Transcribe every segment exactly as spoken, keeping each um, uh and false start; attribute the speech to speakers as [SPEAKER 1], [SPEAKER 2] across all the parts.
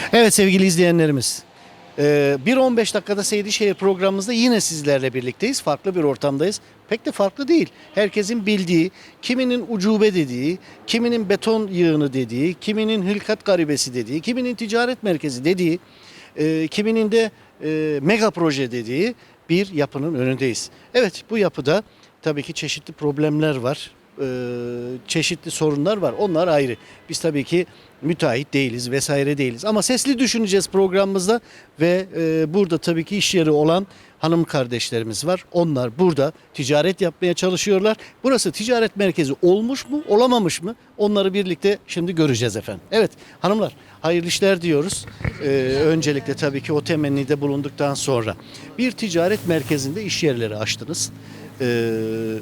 [SPEAKER 1] Evet sevgili izleyenlerimiz, e, bir on beş dakikada Seydişehir programımızda yine sizlerle birlikteyiz. Farklı bir ortamdayız. Pek de farklı değil. Herkesin bildiği, kiminin ucube dediği, kiminin beton yığını dediği, kiminin hılkat garibesi dediği, kiminin ticaret merkezi dediği, e, kiminin de e, mega proje dediği bir yapının önündeyiz. Evet, bu yapıda tabii ki çeşitli problemler var. e, çeşitli sorunlar var. Onlar ayrı. Biz tabii ki müteahhit değiliz vesaire değiliz. Ama sesli düşüneceğiz programımızda ve e, burada tabii ki iş yeri olan hanım kardeşlerimiz var. Onlar burada ticaret yapmaya çalışıyorlar. Burası ticaret merkezi olmuş mu, olamamış mı? Onları birlikte şimdi göreceğiz efendim. Evet hanımlar, hayırlı işler diyoruz. Ee, öncelikle tabii ki o temennide bulunduktan sonra bir ticaret merkezinde iş yerleri açtınız. Ee,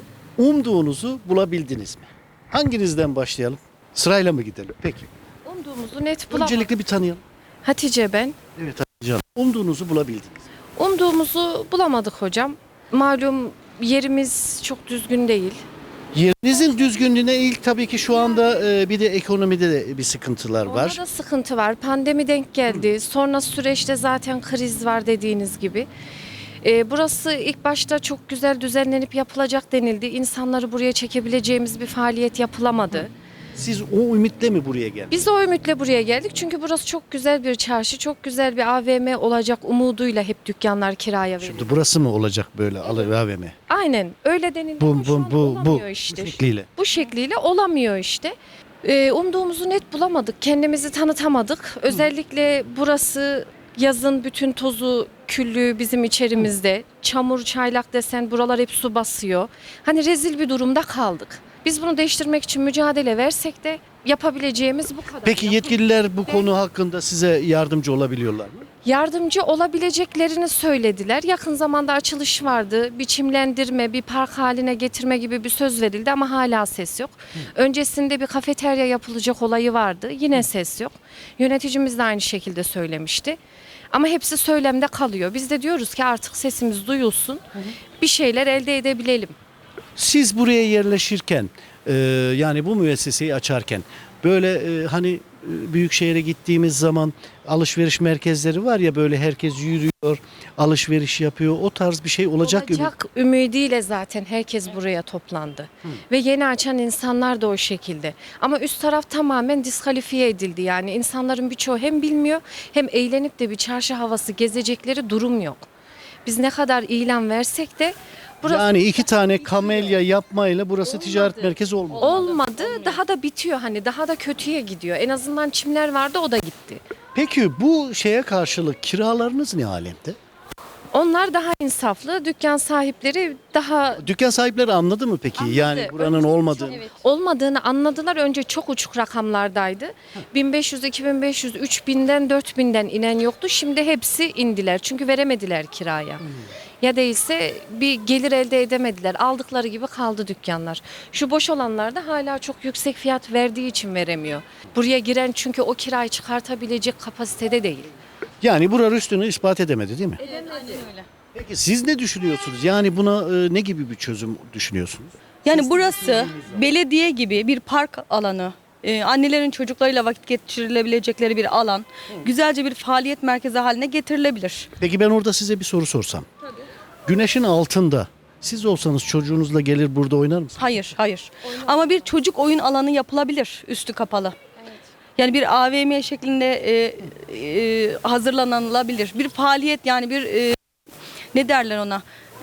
[SPEAKER 1] umduğunuzu bulabildiniz mi? Hanginizden başlayalım? Sırayla mı gidelim? Peki.
[SPEAKER 2] Umduğumuzu net bulamadık.
[SPEAKER 1] Öncelikle bir tanıyalım.
[SPEAKER 2] Hatice ben.
[SPEAKER 1] Evet Hatice Hanım. Umduğunuzu bulabildiniz.
[SPEAKER 2] Umduğumuzu bulamadık hocam. Malum yerimiz çok düzgün değil.
[SPEAKER 1] Yerinizin düzgünlüğüne ilk tabii ki şu anda e, bir de ekonomide de bir sıkıntılar var.
[SPEAKER 2] Orada da sıkıntı var. Pandemi denk geldi. Sonra süreçte zaten kriz var dediğiniz gibi. Ee, burası ilk başta çok güzel düzenlenip yapılacak denildi. İnsanları buraya çekebileceğimiz bir faaliyet yapılamadı.
[SPEAKER 1] Siz o ümitle mi buraya geldiniz?
[SPEAKER 2] Biz o ümitle buraya geldik. Çünkü burası çok güzel bir çarşı, çok güzel bir A V M olacak umuduyla hep dükkanlar kiraya verildi.
[SPEAKER 1] Şimdi burası mı olacak böyle alı A V M?
[SPEAKER 2] Aynen öyle denildi
[SPEAKER 1] Bu
[SPEAKER 2] ama şu
[SPEAKER 1] bu
[SPEAKER 2] an
[SPEAKER 1] bu bu
[SPEAKER 2] olamıyor işte.
[SPEAKER 1] bu şekliyle.
[SPEAKER 2] Bu şekliyle olamıyor işte. Ee, umduğumuzu net bulamadık. Kendimizi tanıtamadık. Özellikle burası yazın bütün tozu, küllüğü bizim içerimizde. Çamur, çaylak desen buralar hep su basıyor. Hani rezil bir durumda kaldık. Biz bunu değiştirmek için mücadele versek de yapabileceğimiz bu kadar.
[SPEAKER 1] Peki yetkililer bu konu hakkında size yardımcı olabiliyorlar mı?
[SPEAKER 2] Yardımcı olabileceklerini söylediler. Yakın zamanda açılış vardı. Biçimlendirme, bir park haline getirme gibi bir söz verildi ama hala ses yok. Öncesinde bir kafeterya yapılacak olayı vardı. Yine ses yok. Yöneticimiz de aynı şekilde söylemişti. Ama hepsi söylemde kalıyor. Biz de diyoruz ki artık sesimiz duyulsun. Bir şeyler elde edebilelim.
[SPEAKER 1] Siz buraya yerleşirken e, yani bu müesseseyi açarken böyle e, hani e, büyük şehre gittiğimiz zaman alışveriş merkezleri var ya, böyle herkes yürüyor, alışveriş yapıyor. O tarz bir şey olacak.
[SPEAKER 2] Olacak ümidiyle zaten herkes buraya toplandı. Ve yeni açan insanlar da o şekilde. Ama üst taraf tamamen diskalifiye edildi. Yani insanların birçoğu hem bilmiyor hem eğlenip de bir çarşı havası gezecekleri durum yok. Biz ne kadar ilan versek de burası
[SPEAKER 1] Yani iki tane kamelya yapmayla burası ticaret merkezi olmadı.
[SPEAKER 2] olmadı. Daha da bitiyor, hani daha da kötüye gidiyor. En azından çimler vardı, o da gitti.
[SPEAKER 1] Peki bu şeye karşılık kiralarınız ne alemde?
[SPEAKER 2] Onlar daha insaflı, dükkan sahipleri daha
[SPEAKER 1] Dükkan sahipleri anladı mı peki?
[SPEAKER 2] Anladı.
[SPEAKER 1] Yani buranın
[SPEAKER 2] Önce
[SPEAKER 1] olmadığını.
[SPEAKER 2] çok- olmadığını anladılar. Önce çok uçuk rakamlardaydı. bin beş yüz, iki bin beş yüz, üç binden, dört binden inen yoktu. Şimdi hepsi indiler. Çünkü veremediler kiraya. Ya değilse bir gelir elde edemediler. Aldıkları gibi kaldı dükkanlar. Şu boş olanlar da hala çok yüksek fiyat verdiği için veremiyor. Buraya giren çünkü o kirayı çıkartabilecek kapasitede değil.
[SPEAKER 1] Yani buranın üstünü ispat edemedi değil mi?
[SPEAKER 2] Öyle.
[SPEAKER 1] Peki siz ne düşünüyorsunuz? Yani buna e, ne gibi bir çözüm düşünüyorsunuz?
[SPEAKER 3] Yani burası belediye gibi bir park alanı, e, annelerin çocuklarıyla vakit geçirilebilecekleri bir alan, güzelce bir faaliyet merkezi haline getirilebilir.
[SPEAKER 1] Peki ben orada size bir soru sorsam. Güneşin altında siz olsanız çocuğunuzla gelir burada oynar mısınız?
[SPEAKER 3] Hayır, hayır. Ama bir çocuk oyun alanı yapılabilir, üstü kapalı. Yani bir A V M şeklinde e, e, hazırlanılabilir. Bir faaliyet, yani bir e, ne derler ona?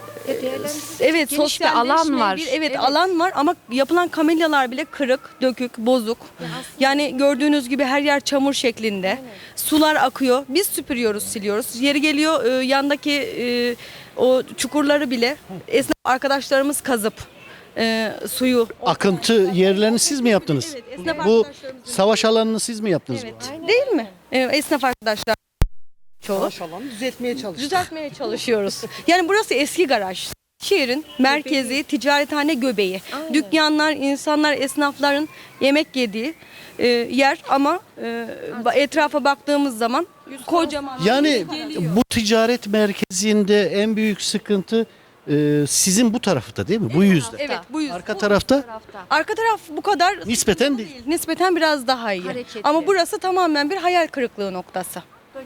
[SPEAKER 3] Evet,
[SPEAKER 2] Geniş bir alan
[SPEAKER 3] sosyalleşme,
[SPEAKER 2] var.
[SPEAKER 3] Bir, evet,
[SPEAKER 2] Evet.
[SPEAKER 3] alan var ama yapılan kamelyalar bile kırık, dökük, bozuk. Yani gördüğünüz gibi her yer çamur şeklinde. Sular akıyor. Biz süpürüyoruz, siliyoruz. Yeri geliyor e, yandaki e, o çukurları bile esnaf arkadaşlarımız kazıp e, suyu.
[SPEAKER 1] Akıntı yerlerini siz mi yaptınız?
[SPEAKER 3] Evet, esnaf
[SPEAKER 1] Bu
[SPEAKER 3] arkadaşlarımız-
[SPEAKER 1] savaş alanını siz mi yaptınız?
[SPEAKER 3] Evet.
[SPEAKER 1] burada?
[SPEAKER 3] Değil mi? E, esnaf arkadaşlar çoğu.
[SPEAKER 4] Savaş alanını düzeltmeye çalıştık.
[SPEAKER 3] Düzeltmeye çalışıyoruz. Yani burası eski garaj. Şehrin merkezi, ticarethane göbeği. Dükkanlar, insanlar, esnafların yemek yediği e, yer ama e, etrafa baktığımız zaman kocaman.
[SPEAKER 1] Yani bu ticaret merkezinde en büyük sıkıntı e, sizin bu tarafta değil mi? Bu yüzde.
[SPEAKER 3] Evet, bu yüzden.
[SPEAKER 1] Arka tarafta
[SPEAKER 3] Arka taraf bu kadar
[SPEAKER 1] nispeten değil.
[SPEAKER 3] nispeten biraz daha iyi.
[SPEAKER 2] Hareketli.
[SPEAKER 3] Ama burası tamamen bir hayal kırıklığı noktası.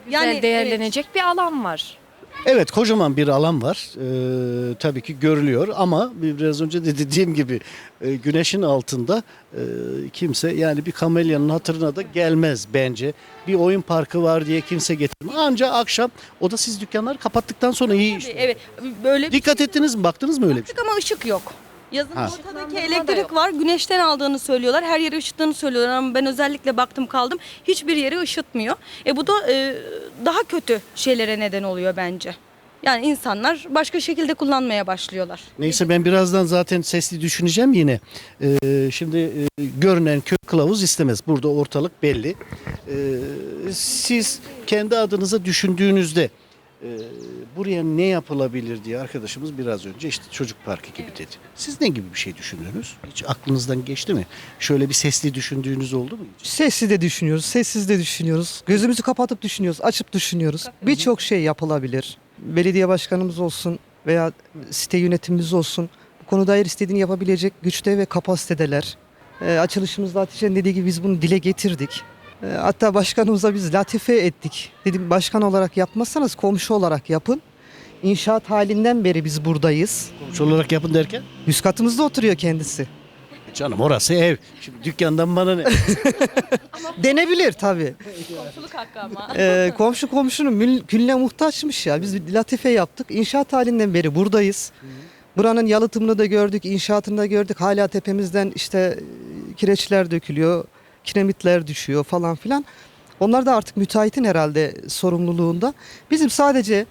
[SPEAKER 2] güzel
[SPEAKER 3] Yani,
[SPEAKER 2] değerlenecek bir alan var.
[SPEAKER 1] Evet, kocaman bir alan var. Ee, tabii ki görülüyor ama biraz önce de dediğim gibi e, güneşin altında e, kimse yani bir kamelyanın hatırına da gelmez bence. Bir oyun parkı var diye kimse getirmez. Ancak akşam o da siz dükkanları kapattıktan sonra iyi
[SPEAKER 3] Evet,
[SPEAKER 1] işte.
[SPEAKER 3] evet böyle bir
[SPEAKER 1] Dikkat ettiniz mi? Baktınız mı öyle bir şey?
[SPEAKER 3] Baktık ama ışık yok. Yazın
[SPEAKER 1] Ha.
[SPEAKER 3] ortadaki
[SPEAKER 2] Işıklandırma da
[SPEAKER 3] elektrik
[SPEAKER 2] yok.
[SPEAKER 3] var. Güneşten aldığını söylüyorlar. Her yeri ışıttığını söylüyorlar ama ben özellikle baktım kaldım. Hiçbir yeri ışıtmıyor. E bu da e, daha kötü şeylere neden oluyor bence. Yani insanlar başka şekilde kullanmaya başlıyorlar.
[SPEAKER 1] Neyse ben birazdan zaten sesli düşüneceğim yine. Ee, şimdi e, görünen kök kılavuz istemez. Burada ortalık belli. Ee, siz kendi adınıza düşündüğünüzde e, buraya ne yapılabilir diye arkadaşımız biraz önce işte çocuk parkı gibi dedi. Siz ne gibi bir şey düşündünüz? Hiç aklınızdan geçti mi? Şöyle bir sesli düşündüğünüz oldu mu hiç?
[SPEAKER 4] Sessiz de düşünüyoruz, sessiz de düşünüyoruz. Gözümüzü kapatıp düşünüyoruz, açıp düşünüyoruz. Birçok şey yapılabilir. Belediye başkanımız olsun veya site yönetimimiz olsun. Bu konuda her istediğini yapabilecek güçte ve kapasitedeler. E, açılışımızda Hatice'nin dediği gibi biz bunu dile getirdik. E, hatta başkanımıza biz latife ettik. Dedim başkan olarak yapmazsanız komşu olarak yapın. İnşaat halinden beri biz buradayız.
[SPEAKER 1] Komşu olarak yapın derken?
[SPEAKER 4] Üst katımızda oturuyor kendisi.
[SPEAKER 1] Canım orası ev. Şimdi dükkandan bana ne?
[SPEAKER 4] Denebilir tabii.
[SPEAKER 3] Komşuluk hakkı ama.
[SPEAKER 4] Ee, komşu komşunun mülküne muhtaçmış ya. Biz bir latife yaptık. İnşaat halinden beri buradayız. Buranın yalıtımını da gördük, inşaatını da gördük. Hala tepemizden işte e, kireçler dökülüyor, kiremitler düşüyor falan filan. Onlar da artık müteahhitin herhalde sorumluluğunda. Bizim sadece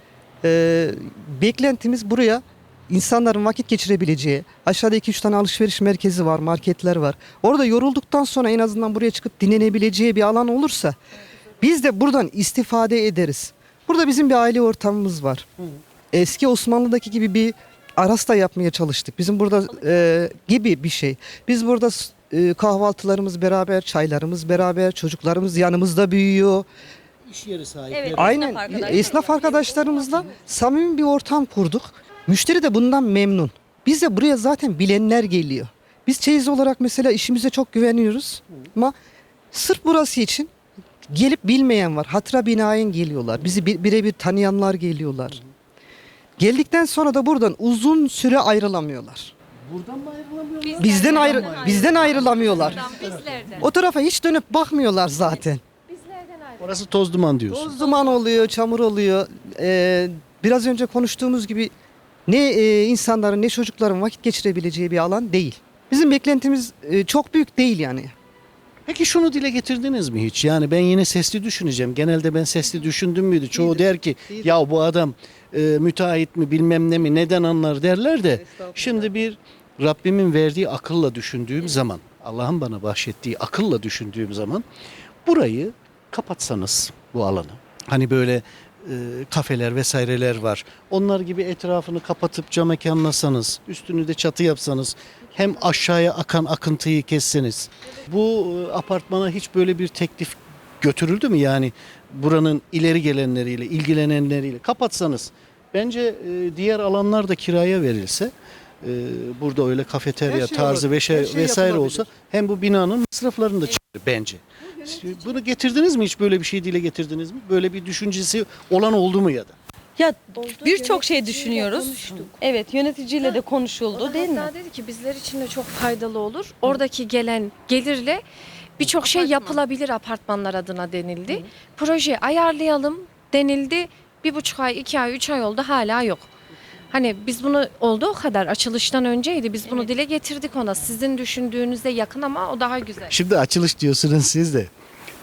[SPEAKER 4] e, beklentimiz buraya insanların vakit geçirebileceği, aşağıda iki üç tane alışveriş merkezi var, marketler var. Orada yorulduktan sonra en azından buraya çıkıp dinlenebileceği bir alan olursa biz de buradan istifade ederiz. Burada bizim bir aile ortamımız var. Eski Osmanlı'daki gibi bir arasta yapmaya çalıştık. Bizim burada e, gibi bir şey. Biz burada e, kahvaltılarımız beraber, çaylarımız beraber, çocuklarımız yanımızda büyüyor.
[SPEAKER 1] İş yeri sahibi.
[SPEAKER 3] Evet.
[SPEAKER 4] Aynen
[SPEAKER 3] Esnaf arkadaşlar.
[SPEAKER 4] esnaf arkadaşlarımızla samimi bir ortam kurduk. Müşteri de bundan memnun. Biz de buraya zaten bilenler geliyor. Biz çeyiz olarak mesela işimize çok güveniyoruz. Ama sırf burası için gelip bilmeyen var. Hatıra binaen geliyorlar. Bizi bi- birebir tanıyanlar geliyorlar. Geldikten sonra da buradan uzun süre ayrılamıyorlar.
[SPEAKER 1] Buradan mı ayrılamıyorlar?
[SPEAKER 4] Bizden ayrı bizden ayrılamıyorlar.
[SPEAKER 2] Bizlerden.
[SPEAKER 4] O tarafa hiç dönüp bakmıyorlar zaten.
[SPEAKER 2] Bizlerden ayrı.
[SPEAKER 1] Orası toz duman diyorsun.
[SPEAKER 4] Toz duman oluyor, çamur oluyor. Ee, biraz önce konuştuğumuz gibi ne e, insanların ne çocukların vakit geçirebileceği bir alan değil. Bizim beklentimiz e, çok büyük değil yani.
[SPEAKER 1] Peki şunu dile getirdiniz mi hiç? Yani ben yine sesli düşüneceğim. Genelde ben sesli düşündüm müydü? Çoğu der ki ya bu adam e, müteahhit mi bilmem ne mi neden anlar derler de. Şimdi bir Rabbimin verdiği akılla düşündüğüm zaman, Allah'ın bana bahşettiği akılla düşündüğüm zaman burayı kapatsanız bu alanı. Hani böyle e, kafeler vesaireler var. Onlar gibi etrafını kapatıp cam mekanlasanız, üstünü de çatı yapsanız, hem aşağıya akan akıntıyı kesseniz. Bu e, apartmana hiç böyle bir teklif götürüldü mü? Yani buranın ileri gelenleriyle, ilgilenenleriyle kapatsanız. Bence e, diğer alanlar da kiraya verilse, e, burada öyle kafeterya
[SPEAKER 4] Her şey
[SPEAKER 1] tarzı
[SPEAKER 4] olur.
[SPEAKER 1] ve şey,
[SPEAKER 4] Her şey
[SPEAKER 1] vesaire
[SPEAKER 4] yapılabilir.
[SPEAKER 1] olsa hem bu binanın masraflarını da çıkarır bence. Bunu getirdiniz mi hiç böyle bir şey dile getirdiniz mi? Böyle bir düşüncesi olan oldu mu ya da?
[SPEAKER 3] Ya
[SPEAKER 2] Oldu,
[SPEAKER 3] birçok şey
[SPEAKER 2] yöneticiyle
[SPEAKER 3] düşünüyoruz.
[SPEAKER 2] konuştuk.
[SPEAKER 3] Evet, yöneticiyle de konuşuldu değil mi?
[SPEAKER 2] Hatta dedi ki bizler için de çok faydalı olur. Oradaki gelen gelirle birçok şey yapılabilir apartmanlar adına denildi. Proje ayarlayalım denildi. Bir buçuk ay, iki ay, üç ay oldu hala yok. Hani biz bunu oldu o kadar açılıştan önceydi. Biz bunu dile getirdik ona. Sizin düşündüğünüzde yakın ama o daha güzel.
[SPEAKER 1] Şimdi açılış diyorsunuz siz de.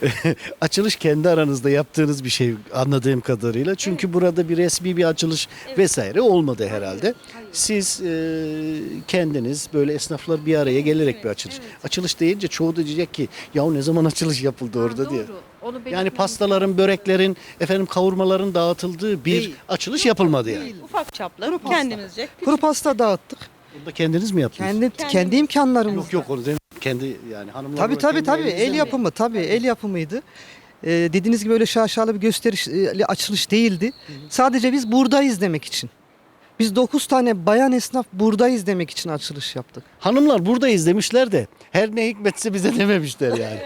[SPEAKER 1] Açılış kendi aranızda yaptığınız bir şey anladığım kadarıyla. Çünkü burada bir resmi bir açılış vesaire olmadı herhalde. Siz e, kendiniz böyle esnaflar bir araya gelerek bir açılış. Açılış deyince çoğu da diyecek ki ya ne zaman açılış yapıldı orada
[SPEAKER 2] Ha,
[SPEAKER 1] diye.
[SPEAKER 2] doğru. Onu
[SPEAKER 1] Yani
[SPEAKER 2] belirtmemiz
[SPEAKER 1] pastaların, böreklerin, efendim kavurmaların dağıtıldığı bir
[SPEAKER 4] Değil.
[SPEAKER 1] açılış yapılmadı yani.
[SPEAKER 3] Ufak çaplı
[SPEAKER 4] Kuru pasta.
[SPEAKER 3] kendimizce.
[SPEAKER 4] Kuru pasta dağıttık.
[SPEAKER 1] Bunu da kendiniz mi yaptınız?
[SPEAKER 4] Kendi kendi imkanlarımız.
[SPEAKER 1] Yok yok onu demiyorum. Kendi yani hanımlar.
[SPEAKER 4] Tabii
[SPEAKER 1] olarak
[SPEAKER 4] tabii
[SPEAKER 1] kendi
[SPEAKER 4] tabii
[SPEAKER 1] elinizle
[SPEAKER 4] el
[SPEAKER 1] mi?
[SPEAKER 4] yapımı tabii el yapımıydı. Ee, dediğiniz gibi öyle şaşalı bir gösterişli açılış değildi. Sadece biz buradayız demek için. Biz dokuz tane bayan esnaf buradayız demek için açılış yaptık.
[SPEAKER 1] Hanımlar buradayız demişler de her ne hikmetse bize dememişler yani.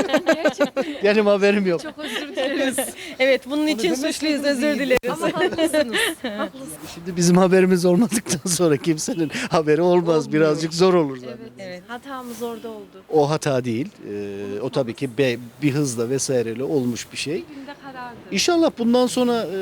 [SPEAKER 1] Benim haberim yok.
[SPEAKER 2] Çok özür dileriz.
[SPEAKER 3] Evet, bunun için suçluyuz, özür dileriz.
[SPEAKER 2] Ama haklısınız. Haklısınız.
[SPEAKER 1] Şimdi bizim haberimiz olmadıktan sonra kimsenin haberi olmaz. Birazcık zor olur zaten.
[SPEAKER 2] Evet.
[SPEAKER 3] Evet.
[SPEAKER 2] Hatamız orada oldu.
[SPEAKER 1] O hata değil. Ee, o tabii ki be- bir hızla vesaireyle olmuş bir şey.
[SPEAKER 2] Bir günde karardı.
[SPEAKER 1] İnşallah bundan sonra e,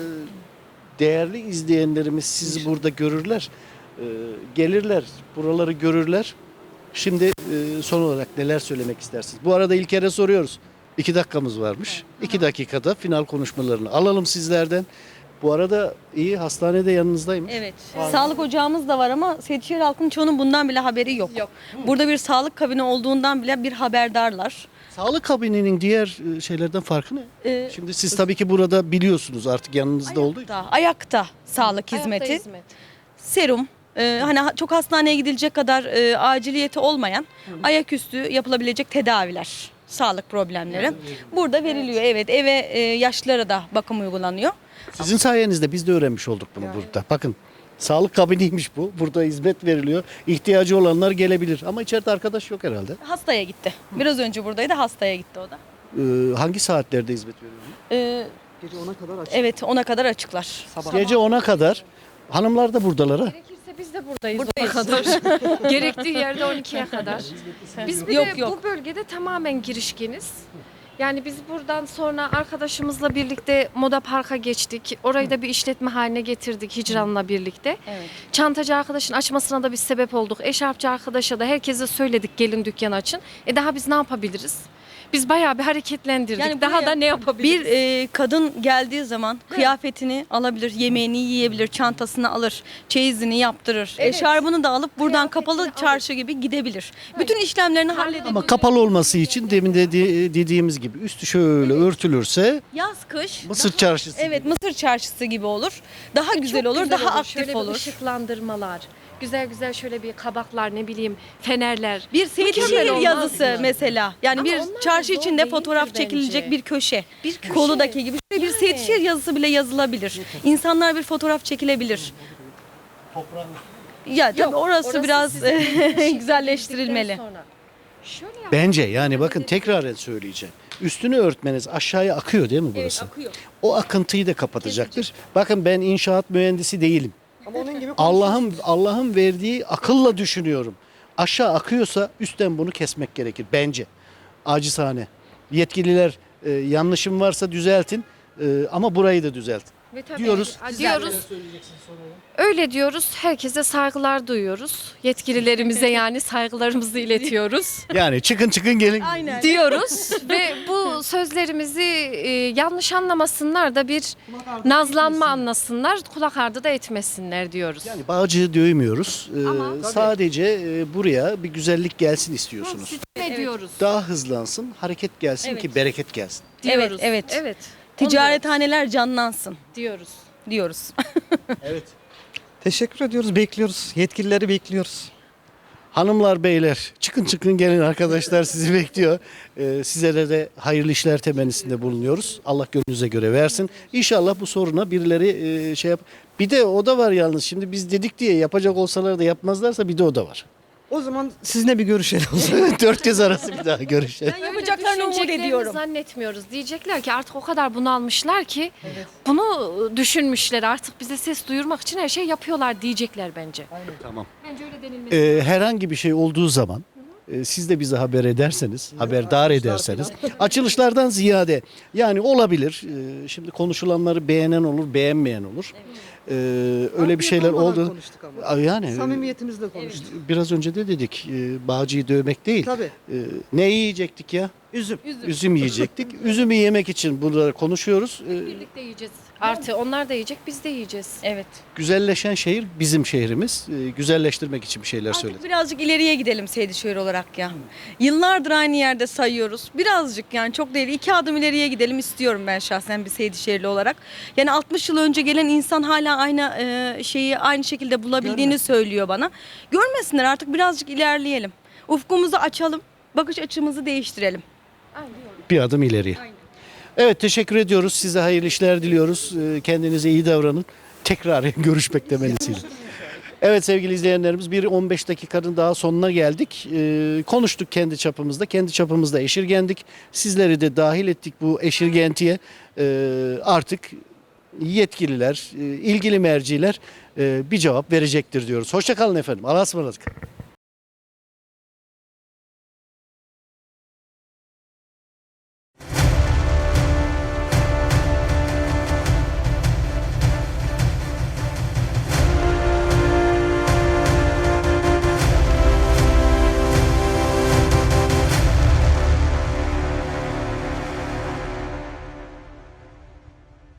[SPEAKER 1] değerli izleyenlerimiz sizi burada görürler. E, gelirler, buraları görürler. Şimdi e, son olarak neler söylemek istersiniz? Bu arada İlker'e soruyoruz. İki dakikamız varmış. İki dakikada final konuşmalarını alalım sizlerden. Bu arada iyi, hastanede yanınızdayım.
[SPEAKER 3] Evet. Sağlık ocağımız da var ama Seydişehir halkının çoğunun bundan bile haberi yok.
[SPEAKER 2] Yok.
[SPEAKER 3] Burada bir sağlık kabini olduğundan bile bir haberdarlar.
[SPEAKER 1] Sağlık kabininin diğer e, şeylerden farkı ne?
[SPEAKER 3] Ee,
[SPEAKER 1] Şimdi siz tabii ki burada biliyorsunuz artık yanınızda olduğu için.
[SPEAKER 3] ayakta, ayakta sağlık hizmeti.
[SPEAKER 2] Ayakta hizmet.
[SPEAKER 3] Serum, e, hani ha- çok hastaneye gidilecek kadar e, aciliyeti olmayan ayaküstü yapılabilecek tedaviler, sağlık problemleri burada veriliyor. Evet, eve e, yaşlılara da bakım uygulanıyor.
[SPEAKER 1] Sizin sayenizde biz de öğrenmiş olduk bunu burada. Bakın sağlık kabiniymiş bu. Burada hizmet veriliyor. İhtiyacı olanlar gelebilir. Ama içeride arkadaş yok herhalde.
[SPEAKER 3] Hastaya gitti. Biraz önce buradaydı, hastaya gitti o da.
[SPEAKER 1] Ee, hangi saatlerde hizmet veriliyor?
[SPEAKER 3] E,
[SPEAKER 4] Gece ona kadar açık.
[SPEAKER 3] evet, ona kadar açıklar.
[SPEAKER 4] Sabah.
[SPEAKER 1] Gece ona kadar. Hanımlar da buradalar ha.
[SPEAKER 2] Gerekirse biz de buradayız,
[SPEAKER 3] Buradayız.
[SPEAKER 2] ona kadar. Gerektiği yerde on ikiye kadar. Biz bir
[SPEAKER 3] Yok,
[SPEAKER 2] de
[SPEAKER 3] yok.
[SPEAKER 2] bu bölgede tamamen girişkeniz. Yani biz buradan sonra arkadaşımızla birlikte Moda Park'a geçtik. Orayı da bir işletme haline getirdik Hicran'la birlikte.
[SPEAKER 3] Evet.
[SPEAKER 2] Çantacı arkadaşın açmasına da biz sebep olduk. Eşarpçı arkadaşa da herkese söyledik gelin dükkan açın. E daha biz ne yapabiliriz? Biz bayağı bir hareketlendirdik.
[SPEAKER 3] Yani
[SPEAKER 2] daha
[SPEAKER 3] buraya
[SPEAKER 2] da ne yapabiliriz?
[SPEAKER 3] Bir e, kadın geldiği zaman kıyafetini alabilir, yemeğini yiyebilir, çantasını alır, çeyizini yaptırır.
[SPEAKER 2] Evet.
[SPEAKER 3] Eşarbını da alıp buradan
[SPEAKER 2] Kıyafetini
[SPEAKER 3] kapalı
[SPEAKER 2] alır.
[SPEAKER 3] çarşı gibi gidebilir. Bütün işlemlerini halledebilir.
[SPEAKER 1] Ama kapalı olması için demin de de- dediğimiz gibi üstü şöyle örtülürse
[SPEAKER 3] Yaz kış.
[SPEAKER 1] Mısır çarşısı.
[SPEAKER 3] Evet, Mısır çarşısı gibi olur. Daha güzel
[SPEAKER 2] Çok
[SPEAKER 3] olur,
[SPEAKER 2] güzel
[SPEAKER 3] daha aktif
[SPEAKER 2] Şöyle bir
[SPEAKER 3] olur.
[SPEAKER 2] ışıklandırmalar, güzel güzel şöyle bir kabaklar, ne bileyim fenerler.
[SPEAKER 3] Bir
[SPEAKER 2] Mükemmel
[SPEAKER 3] Seydişehir
[SPEAKER 2] olmaz
[SPEAKER 3] yazısı
[SPEAKER 2] mı?
[SPEAKER 3] mesela. Yani
[SPEAKER 2] Ama
[SPEAKER 3] bir
[SPEAKER 2] onlar da
[SPEAKER 3] çarşı
[SPEAKER 2] zor
[SPEAKER 3] içinde
[SPEAKER 2] değildir
[SPEAKER 3] fotoğraf
[SPEAKER 2] bence.
[SPEAKER 3] çekilecek bir köşe.
[SPEAKER 2] Bir köşe.
[SPEAKER 3] Koludaki gibi. Şöyle bir
[SPEAKER 2] Yani.
[SPEAKER 3] Seydişehir yazısı bile yazılabilir. İnsanlar bir fotoğraf çekilebilir. Ya tabii
[SPEAKER 2] Yok,
[SPEAKER 3] orası, biraz
[SPEAKER 2] sizin şekilde
[SPEAKER 3] güzelleştirilmeli.
[SPEAKER 2] sonra. Şöyle yap-
[SPEAKER 1] Bence yani bakın tekrar söyleyeceğim. Üstünü örtmeniz aşağıya akıyor değil mi burası?
[SPEAKER 3] akıyor.
[SPEAKER 1] O akıntıyı da kapatacaktır. Bakın ben inşaat mühendisi değilim.
[SPEAKER 4] Ama onun gibi
[SPEAKER 1] Allah'ın Allah'ın verdiği akılla düşünüyorum. Aşağı akıyorsa üstten bunu kesmek gerekir bence. Acizane. Yetkililer e, yanlışım varsa düzeltin e, ama burayı da düzeltin.
[SPEAKER 2] Ve tabii,
[SPEAKER 1] diyoruz.
[SPEAKER 2] a- diyoruz. Öyle diyoruz. Herkese saygılar duyuyoruz. Yetkililerimize yani saygılarımızı iletiyoruz.
[SPEAKER 1] Yani çıkın çıkın gelin.
[SPEAKER 3] Aynen.
[SPEAKER 2] diyoruz ve bu sözlerimizi e, yanlış anlamasınlar da bir nazlanma anlasınlar, kulak ardı da etmesinler diyoruz.
[SPEAKER 1] Yani bağcığı dövmüyoruz. E,
[SPEAKER 2] Ama-
[SPEAKER 1] sadece e, buraya bir güzellik gelsin istiyorsunuz.
[SPEAKER 2] Ne diyoruz?
[SPEAKER 1] Daha hızlansın, hareket gelsin
[SPEAKER 3] Evet.
[SPEAKER 1] ki bereket gelsin.
[SPEAKER 2] Diyoruz.
[SPEAKER 3] Evet, evet.
[SPEAKER 2] Evet.
[SPEAKER 3] Ticarethaneler canlansın
[SPEAKER 2] diyoruz.
[SPEAKER 3] diyoruz.
[SPEAKER 1] Evet.
[SPEAKER 4] Teşekkür ediyoruz, bekliyoruz. Yetkilileri bekliyoruz.
[SPEAKER 1] Hanımlar, beyler çıkın çıkın gelin, arkadaşlar sizi bekliyor. Ee, sizlere de hayırlı işler temennisinde bulunuyoruz. Allah gönlünüze göre versin. İnşallah bu soruna birileri e, şey yap. Bir de o da var yalnız. Şimdi biz dedik diye yapacak olsalar da yapmazlarsa bir de o da var.
[SPEAKER 4] O zaman sizinle bir görüşelim. o zaman.
[SPEAKER 1] Dört kez arası bir daha görüşelim.
[SPEAKER 3] Ben yapacaklarını umut
[SPEAKER 2] Düşüneceklerini
[SPEAKER 3] ediyorum.
[SPEAKER 2] zannetmiyoruz. Diyecekler ki artık o kadar bunalmışlar ki bunu düşünmüşler, artık bize ses duyurmak için her şey yapıyorlar diyecekler bence.
[SPEAKER 1] Tamam.
[SPEAKER 2] Bence öyle denilmesi.
[SPEAKER 1] Ee, herhangi bir şey olduğu zaman e, siz de bize haber ederseniz, haberdar ederseniz, açılışlardan ziyade yani olabilir. e, Şimdi konuşulanları beğenen olur, beğenmeyen olur. Ee, öyle bir şeyler
[SPEAKER 4] Olmadan
[SPEAKER 1] oldu.
[SPEAKER 4] konuştuk ama.
[SPEAKER 1] Aa, Yani
[SPEAKER 4] Samimiyetimizle konuştuk.
[SPEAKER 1] biraz önce de dedik, e, bağcıyı dövmek değil.
[SPEAKER 4] Tabii.
[SPEAKER 1] E, ne yiyecektik ya?
[SPEAKER 4] Üzüm.
[SPEAKER 1] Üzüm yiyecektik. Üzümü yemek için burada konuşuyoruz. E,
[SPEAKER 2] Birlikte yiyeceğiz. Artı onlar da yiyecek, biz de yiyeceğiz.
[SPEAKER 3] Evet.
[SPEAKER 1] güzelleşen şehir bizim şehrimiz. E, güzelleştirmek için bir şeyler
[SPEAKER 3] Artık
[SPEAKER 1] söyledik.
[SPEAKER 3] birazcık ileriye gidelim Seydişehir olarak ya. Yıllardır aynı yerde sayıyoruz. Birazcık, yani çok değil, iki adım ileriye gidelim istiyorum ben şahsen bir Seydişehirli olarak. Yani altmış yıl önce gelen insan hala aynı e, şeyi aynı şekilde bulabildiğini söylüyor bana. Görmesinler, artık birazcık ilerleyelim. Ufkumuzu açalım, bakış açımızı değiştirelim.
[SPEAKER 1] Bir adım ileriye. Evet, teşekkür ediyoruz. Size hayırlı işler diliyoruz. E, kendinize iyi davranın. tekrar görüşmek temennisiyle. Evet sevgili izleyenlerimiz, bir on beş dakikanın daha sonuna geldik. Ee, konuştuk kendi çapımızda, kendi çapımızda eşirgendik. Sizleri de dahil ettik bu eşirgentiye. Ee, artık yetkililer, e, ilgili merciler e, bir cevap verecektir diyoruz. Hoşça kalın efendim. Allah'a ısmarladık.